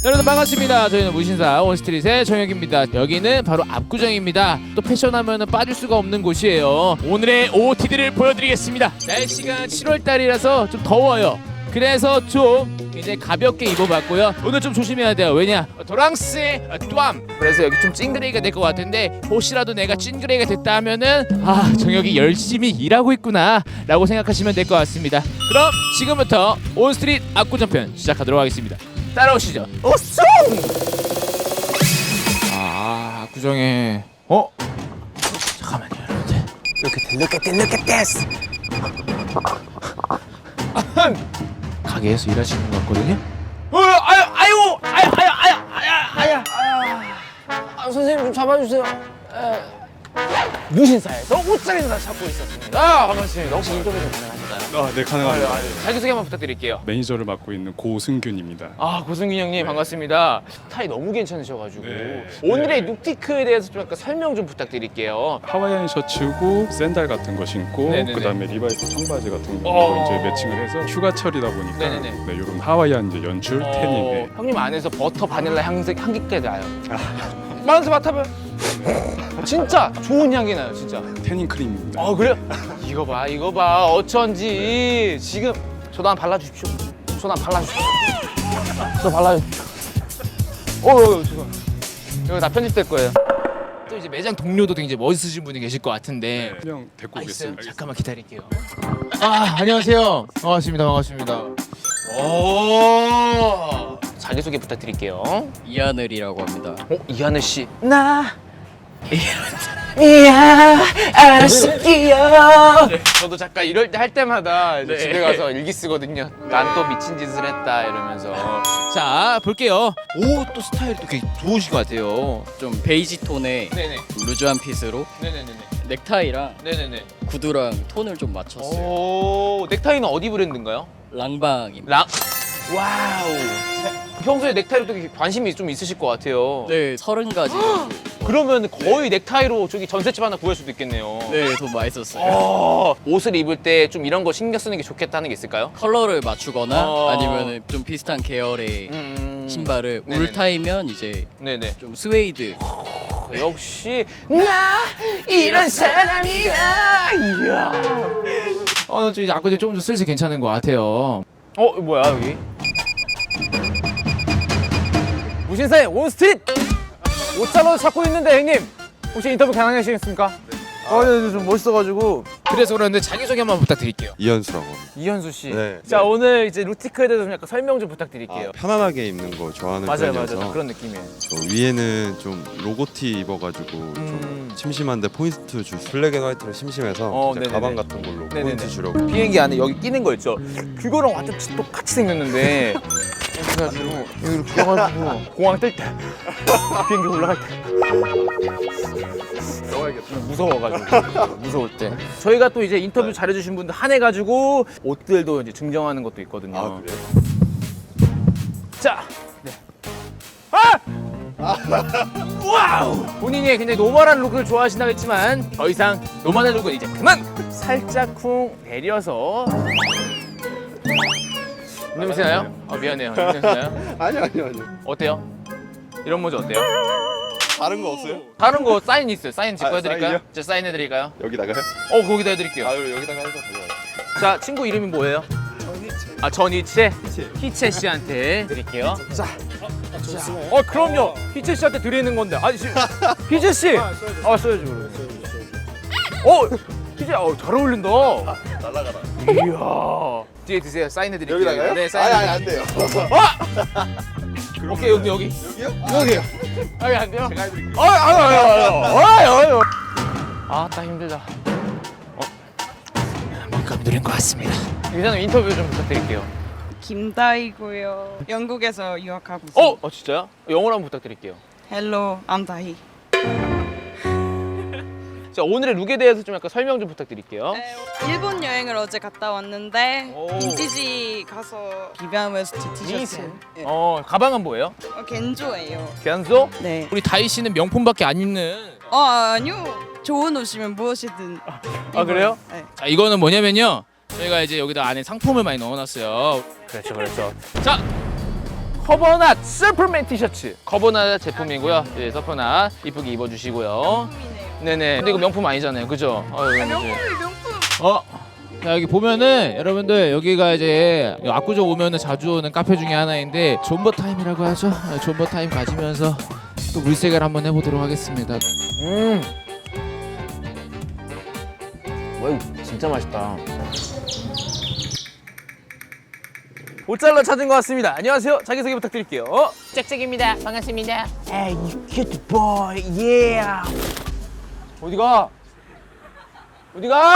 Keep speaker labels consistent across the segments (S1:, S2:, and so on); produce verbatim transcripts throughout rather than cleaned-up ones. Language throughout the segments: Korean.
S1: 여러분 반갑습니다. 저희는 무신사 온스트릿의 정혁입니다. 여기는 바로 압구정입니다. 또 패션하면은 빠질 수가 없는 곳이에요. 오늘의 오오티디를 보여드리겠습니다. 날씨가 칠월 달이라서 좀 더워요. 그래서 좀 이제 가볍게 입어봤고요. 오늘 좀 조심해야 돼요. 왜냐? 도랑스의 뚜암. 그래서 여기 좀 찡그레이가 될 것 같은데 혹시라도 내가 찡그레이가 됐다 하면은 아 정혁이 열심히 일하고 있구나 라고 생각하시면 될 것 같습니다. 그럼 지금부터 온스트릿 압구정편 시작하도록 하겠습니다. 따라오시죠. 오쏘! 아 압구정에 어? 잠깐만요 여러분들. Look at it, look at this, look at this. 가게에서 일하시는 것 같거든요. 어, 아유, 아유, 아유, 아유, 아유, 아유, 아유, 아유. 아, 선생님 좀 잡아주세요. 에. 무신사에서 옷장에서 찾고 있었습니다. 아, 반갑습니다. 혹시 인터뷰 좀 가능하실까요?
S2: 아, 네, 가능합니다.
S1: 아, 네. 자기소개 한번 부탁드릴게요.
S2: 매니저를 맡고 있는 고승균입니다.
S1: 아, 고승균 형님 반갑습니다. 스타일 너무 괜찮으셔가지고
S2: 네.
S1: 오늘의 룩티크에 대해서 좀 약간 설명 좀 부탁드릴게요.
S2: 하와이안 셔츠고 샌들 같은 거 신고
S1: 네네네.
S2: 그다음에 리바이스 청바지 같은 거
S1: 어.
S2: 이제 매칭을 해서 휴가철이다 보니까
S1: 네네네.
S2: 네, 이런 하와이안 이제 연출
S1: 어,
S2: 태닝. 네.
S1: 형님 안에서 버터 바닐라 향색 향기까지 나요. 마음서 맡아봐요. 진짜 좋은 향기 나요, 진짜.
S2: 태닝 크림입니다.
S1: 아 그래요? 이거 봐, 이거 봐. 어쩐지 지금 저도 한번 발라주십시오. 저도 한번 발라주십시오. 저 발라주십시오. 어, 어, 죄송. 이거 다 편집될 거예요. 또 이제 매장 동료도 굉장히 멋있으신 분이 계실 것 같은데.
S2: 그냥 데리고
S1: 아, 있어요?
S2: 오겠습니다.
S1: 잠깐만 기다릴게요. 아 안녕하세요. 반갑습니다. 반갑습니다. 오 자기 소개 부탁드릴게요.
S3: 이하늘이라고 합니다.
S1: 어 이하늘 씨. 나 이야 알았을게요. 저도 잠깐 이럴 때 할 때마다 이제
S3: 네.
S1: 집에 가서 일기 쓰거든요. 난 또 미친 짓을 했다 이러면서. 자 볼게요. 오 또 스타일이 또 되게 좋으신 것 같아요.
S3: 좀 베이지 톤의
S1: 네네.
S3: 루즈한 핏으로
S1: 네네네네.
S3: 넥타이랑
S1: 네네네.
S3: 구두랑 톤을 좀 맞췄어요.
S1: 오 넥타이는 어디 브랜드인가요?
S3: 랑방입니다.
S1: 랑. 와우. 평소에 넥타이로 되게 관심이 좀 있으실 것 같아요.
S3: 네, 서른 가지.
S1: 그러면 거의 넥타이로 저기 전셋집 하나 구할 수도 있겠네요.
S3: 네, 돈 많이 썼어요.
S1: 어, 옷을 입을 때 좀 이런 거 신경 쓰는 게 좋겠다는 게 있을까요?
S3: 컬러를 맞추거나
S1: 어.
S3: 아니면 좀 비슷한 계열의
S1: 음...
S3: 신발을
S1: 네네네.
S3: 울타이면 이제
S1: 네네.
S3: 좀 스웨이드.
S1: 역시 나 이런 사람이야. 이야. 어, 저 이제 아까 좀 더 슬슬 괜찮은 것 같아요. 어, 뭐야 여기? 무신사의 온스트릿 옷자로 찾고 있는데 형님 혹시 인터뷰 가능하시겠습니까?
S4: 아, 네, 좀 멋있어가지고.
S1: 그래서 그러는데 자기소개 한번 부탁드릴게요.
S4: 이현수라고.
S1: 이현수 씨.
S4: 네.
S1: 자 오늘 이제 루티크에 대해서 좀 약간 설명 좀 부탁드릴게요.
S4: 아, 편안하게 입는 거 좋아하는
S1: 맞아요,
S4: 편이어서.
S1: 맞아요. 그런 느낌이에요.
S4: 저 위에는 좀 로고티 입어가지고
S1: 음.
S4: 좀 심심한데 포인트 줄. 블랙 앤 화이트로 심심해서
S1: 어,
S4: 이제
S1: 네네네.
S4: 가방 같은 걸로
S1: 네네네.
S4: 포인트 주려고.
S1: 비행기 안에 여기 끼는 거 있죠? 그거랑 완전 똑같이 생겼는데 그래가지고 여기로 끼워가지고 공항 뜰 때 비행기 올라갈 때 무서워가지고 무서울 때 저희가 또 이제 인터뷰 잘해주신 분들 한해가지고 옷들도 이제 증정하는 것도 있거든요.
S4: 아, 그래요?
S1: 자, 네. 아! 와우! 본인이 굉장히 노멀한 룩을 좋아하신다고 했지만 더 이상 노멀한 룩은 이제 그만! 살짝 쿵 내려서 냄새 나요? 아 미안해요. 냄새 나요?
S4: 아니요, 아니요, 아니요.
S1: 어때요? 이런 모자 어때요?
S4: 다른 거 없어요?
S1: 다른 거 사인 있어요. 사인 직구
S4: 아,
S1: 해드릴까요?
S4: 사인이요?
S1: 제가 사인해드릴까요?
S4: 여기다가요?
S1: 어 거기다 해드릴게요.
S4: 아, 그럼 여기다가 해서 가져와요.
S1: 자 친구 이름이 뭐예요? 아 전희채? 희채 씨한테 드릴게요. 자, 자. 어 그럼요. 희채 씨한테 드리는 건데. 아니 지- 희채 씨. 아 써야지 그러면. 어 희채, 어잘 어울린다.
S4: 날라가라.
S1: 이야. 뒤에 드세요. 사인해 드릴게요.
S4: 여기다가요?
S1: 네 사인.
S4: 아니, 아니, 안 돼요.
S1: 오케이 여기 여기.
S4: 여기요?
S1: 여기요. 여기 안 돼요?
S4: 제가 해드릴게요.
S1: 아유 아유 아유 아유 아유. 아따 힘들다. 어. 뭔가 느린 것 같습니다. 이사님 인터뷰 좀 부탁드릴게요.
S5: 김다희고요. 영국에서 유학하고 있어요.
S1: 어? 어 진짜요? 영어로 한번 부탁드릴게요.
S5: Hello, I'm 다희.
S1: 자 오늘의 룩에 대해서 좀 약간 설명 좀 부탁드릴게요.
S5: 네, 일본 여행을 어제 갔다 왔는데
S1: 오.
S5: 빈티지 가서 비비안 웨스트 티셔츠. 네.
S1: 어 가방은 뭐예요?
S5: 어, 겐조예요.
S1: 견소?
S5: 네.
S1: 우리 다희 씨는 명품밖에 안 입는.
S5: 어 아니요. 좋은 옷이면 무엇이든.
S1: 아 그래요?
S5: 네.
S1: 자 이거는 뭐냐면요. 저희가 이제 여기다 안에 상품을 많이 넣어놨어요. 그렇죠, 그렇죠. 자 커버낫 서퍼맨 티셔츠. 커버낫 제품이고요. 예, 서퍼낫 이쁘게 입어주시고요. 네네. 근데 이거 명품 아니잖아요, 그죠? 어, 아,
S5: 명품이 명품.
S1: 어. 자, 여기 보면은 여러분들 여기가 이제 압구정 오면은 자주 오는 카페 중에 하나인데 존버 타임이라고 하죠. 아, 존버 타임 가지면서 또 물색을 한번 해보도록 하겠습니다. 음. 와, 이거 진짜 맛있다. 모짜렐라 찾은 것 같습니다. 안녕하세요. 자기소개 부탁드릴게요. 짹짹입니다. 반갑습니다. Hey, you cute boy, yeah. 어디가? 어디가?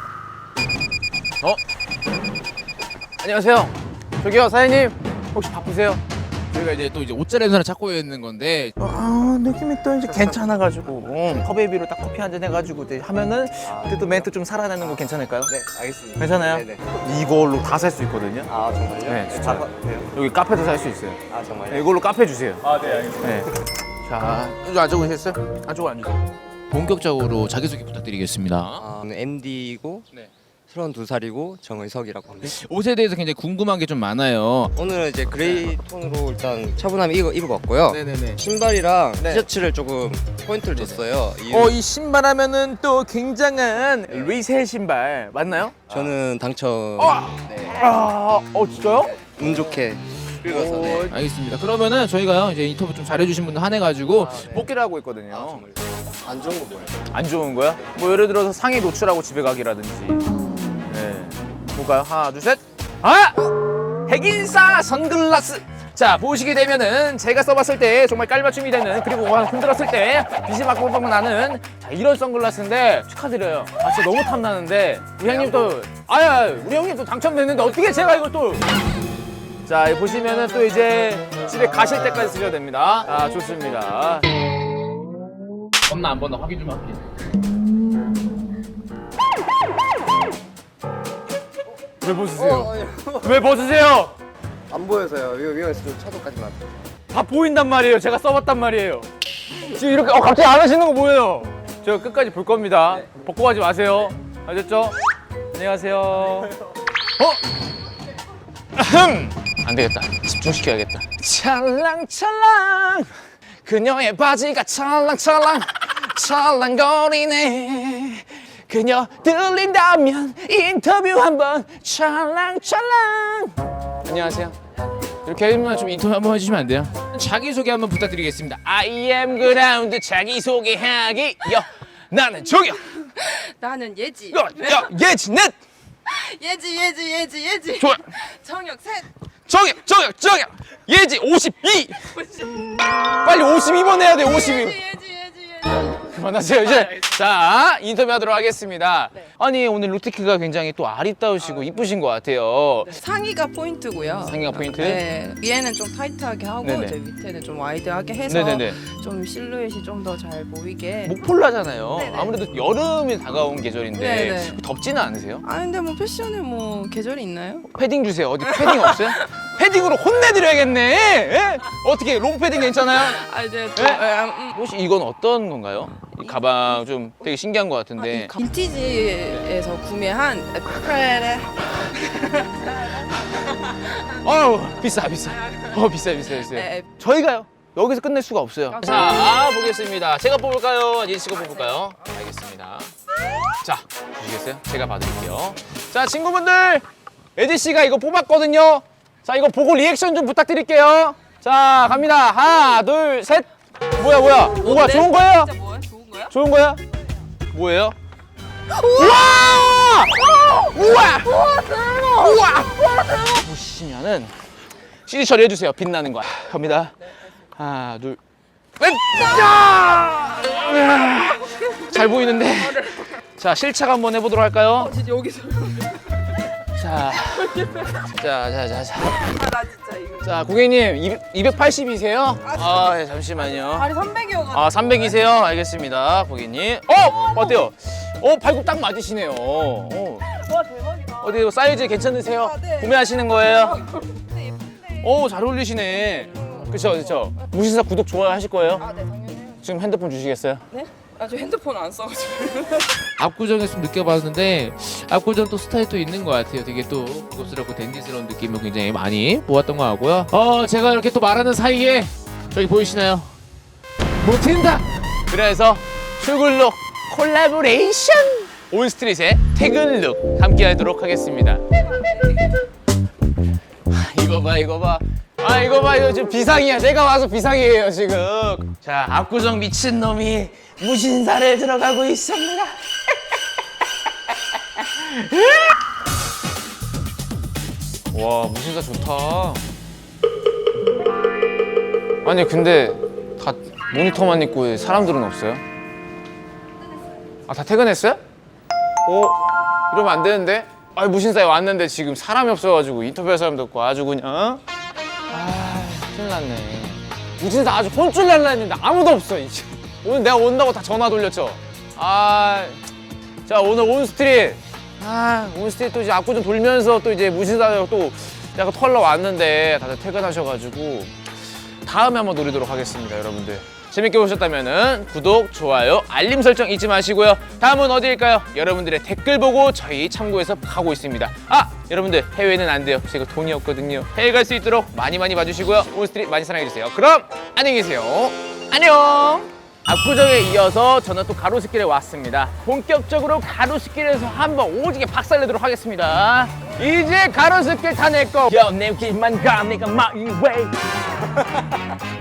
S1: 어? 안녕하세요. 저기요, 사장님. 혹시 바쁘세요? 저희가 이제 또 이제 옷자리에서 찾고 있는 건데 아 느낌이 또 이제 괜찮아가지고 음, 컵에비로 딱 커피 한잔 해가지고 이제 하면은 그때 또 멘트 좀 살아나는 거 괜찮을까요?
S6: 네, 알겠습니다.
S1: 괜찮아요?
S6: 네네.
S1: 이걸로 다 살 수 있거든요.
S6: 아, 정말요?
S1: 네, 진짜.
S6: 아, 돼요?
S1: 여기 카페도 살 수 있어요.
S6: 아, 정말요?
S1: 네, 이걸로 카페 주세요.
S2: 아, 네, 알겠습니다.
S1: 네. 자, 이쪽 안쪽으로 오셨어요? 안쪽으로 앉으세요. 본격적으로 자기소개 부탁드리겠습니다.
S6: 아, 저는 엠디이고
S1: 네.
S6: 서른두 살이고 정의석이라고 합니다.
S1: 옷에 대해서 굉장히 궁금한 게 좀 많아요.
S6: 오늘은 이제 그레이 톤으로 일단 차분하게 입어, 입어봤고요.
S1: 네네네.
S6: 신발이랑
S1: 네.
S6: 티셔츠를 조금 포인트를 줬어요. 이
S1: 어, 이 신발 하면은 또 굉장한 리셀 신발 맞나요?
S6: 저는 당첨 네.
S1: 아, 어 진짜요?
S6: 운 좋게 긁어서 네.
S1: 알겠습니다. 그러면은 저희가요 이제 인터뷰 좀 잘해주신 분들 한해가지고 뽑기를 하고 있거든요.
S6: 아, 정말요? 안 좋은 거 뭐예요?
S1: 안 좋은 거야? 뭐 예를 들어서 상의 노출하고 집에 가기라든지. 네. 볼까요? 하나, 둘, 셋. 아! 핵인싸 선글라스. 자, 보시게 되면은 제가 써봤을 때 정말 깔맞춤이 되는 그리고 흔들었을 때 빛이 막막막 나는 자, 이런 선글라스인데 축하드려요. 아, 진짜 너무 탐나는데 우리 형님 또 아야 우리 형님 또 당첨됐는데 어떻게 제가 이걸 또 자, 보시면은 또 이제 집에 가실 때까지 쓰셔야 됩니다. 아, 좋습니다. 번나 안 번나 확인 좀 할게. 왜 벗으세요? 왜 벗으세요?
S6: 안 보여서요. 위험, 위험해서 좀 차도까지만.
S1: 다 보인단 말이에요. 제가 써봤단 말이에요. 지금 이렇게 어 갑자기 안 하시는 거 뭐예요? 제가 끝까지 볼 겁니다. 벗고 가지 마세요. 아셨죠? 안녕하세요. 어? 아흠! 안 되겠다. 집중시켜야겠다. 찰랑찰랑 그녀의 바지가 찰랑찰랑 찰랑거리네. 그녀 들린다면 인터뷰 한번 찰랑찰랑. 안녕하세요. 이렇게 하면 좀 인터뷰 한번 해주시면 안 돼요? 자기소개 한번 부탁드리겠습니다. I am 그라운드 자기소개하기. 여 나는 저기요.
S5: 나는 예지.
S1: 야, 야 예지 넷.
S5: 예지 예지 예지 예지.
S1: 좋아.
S5: 정혁 셋.
S1: 저기요 저기요 저기요. 예지 오십이. 빨리 오십이 번 해야 돼. 오십이.
S5: 예지 예지 예지 예지.
S1: 그만하세요 이제. 자 인터뷰하도록 하겠습니다. 아니 오늘 루티크가 굉장히 또 아리따우시고 이쁘신 것 같아요.
S5: 상의가 포인트고요.
S1: 상의가 포인트?
S5: 네. 위에는 좀 타이트하게 하고
S1: 네네.
S5: 이제 밑에는 좀 와이드하게 해서
S1: 네네네.
S5: 좀 실루엣이 좀 더 잘 보이게.
S1: 목폴라잖아요.
S5: 네네.
S1: 아무래도 여름이 다가온 계절인데
S5: 네네.
S1: 덥지는 않으세요?
S5: 아 근데 뭐 패션에 뭐 계절이 있나요?
S1: 패딩 주세요. 어디 패딩 없어요? 패딩으로 혼내드려야겠네. 예? 어떻게 롱패딩 괜찮아요?
S5: 아 이제 또,
S1: 네?
S5: 에, 음,
S1: 혹시 이건 어떤 건가요? 이 가방 좀 되게 신기한 것
S5: 아,
S1: 같은데.
S5: 이 가- 빈티지에서 구매한 프레레.
S1: 어우 비싸 비싸. 어 비싸 비싸 비싸.
S5: 네.
S1: 저희가요. 여기서 끝낼 수가 없어요.
S5: 아,
S1: 자 보겠습니다. 제가 뽑을까요? 예지 씨가 뽑을까요? 알겠습니다. 자 주시겠어요? 제가 받을게요. 자 친구분들 예지 씨가 이거 뽑았거든요. 자 이거 보고 리액션 좀 부탁드릴게요. 자 갑니다. 하나 둘 셋. 뭐야 뭐야? 뭐야 좋은 거예요?
S5: 진짜 뭐야? 좋은 거야?
S1: 좋은 거야? 뭐예요? 우와! 우와! 우와! 보시면은 씨디 처리해주세요. 빛나는 거. 갑니다. 하나, 둘, 셋! 야! 잘 보이는데. 자, 실착 한번 해보도록 할까요?
S5: 진짜 여기서.
S1: 자, 자, 자, 자, 자.
S5: 아 나 진짜 이거.
S1: 자, 고객님 이백팔십이세요? 아, 네, 잠시만요.
S5: 발이 삼백이어가지고.
S1: 아, 삼백이세요? 알겠습니다, 고객님. 어, 어때요? 어, 발굽 딱 맞으시네요. 어.
S5: 와 대박이다.
S1: 어디 사이즈 괜찮으세요?
S5: 아, 네.
S1: 구매하시는 거예요?
S5: 근데 예쁜데.
S1: 오, 잘 어울리시네. 그쵸, 그쵸. 무신사 구독 좋아하실 거예요?
S5: 아 네 당연해요.
S1: 지금 핸드폰 주시겠어요?
S5: 네? 아 저 핸드폰 안 써가지고.
S1: 압구정에서 좀 느껴봤는데 압구정 또 스타일이 또 있는 것 같아요. 되게 또 고급스럽고 댄디스러운 느낌을 굉장히 많이 보았던 것 같고요. 어 제가 이렇게 또 말하는 사이에 저기 보이시나요? 못한다. 그래서 출근룩 콜라보레이션 온스트릿의 퇴근룩 함께하도록 하겠습니다. 이거 봐 이거 봐. 아 이거 봐 이거 지금 비상이야. 내가 와서 비상이에요 지금. 자 압구정 미친놈이 무신사를 들어가고 있습니다. 와 무신사 좋다.
S7: 아니 근데 다 모니터만 있고 왜 사람들은 없어요? 아 다 퇴근했어요? 어? 이러면 안 되는데? 아 무신사에 왔는데 지금 사람이 없어가지고 인터뷰할 사람도 없고 아주 그냥 어? 아 큰일 났네. 무신사 아주 혼쭐 날라 했는데 아무도 없어 이제. 오늘 내가 온다고 다 전화 돌렸죠? 아, 자 오늘 온스트릿 아 온스트릿 또 이제 압구정 돌면서 또 이제 무신사 또 약간 털러 왔는데 다들 퇴근하셔가지고 다음에 한번 노리도록 하겠습니다. 여러분들 재밌게 보셨다면은 구독, 좋아요, 알림 설정 잊지 마시고요. 다음은 어디일까요? 여러분들의 댓글 보고 저희 참고해서 가고 있습니다. 아! 여러분들 해외는 안 돼요. 제가 돈이 없거든요. 해외 갈 수 있도록 많이 많이 봐주시고요. 온스트릿 많이 사랑해주세요. 그럼 안녕히 계세요. 안녕! 압구정에 이어서 저는 또 가로수길에 왔습니다. 본격적으로 가로수길에서 한번 오지게 박살내도록 하겠습니다. 이제 가로수길 다 내 거. 야, 내 길만 가, 내가 my way.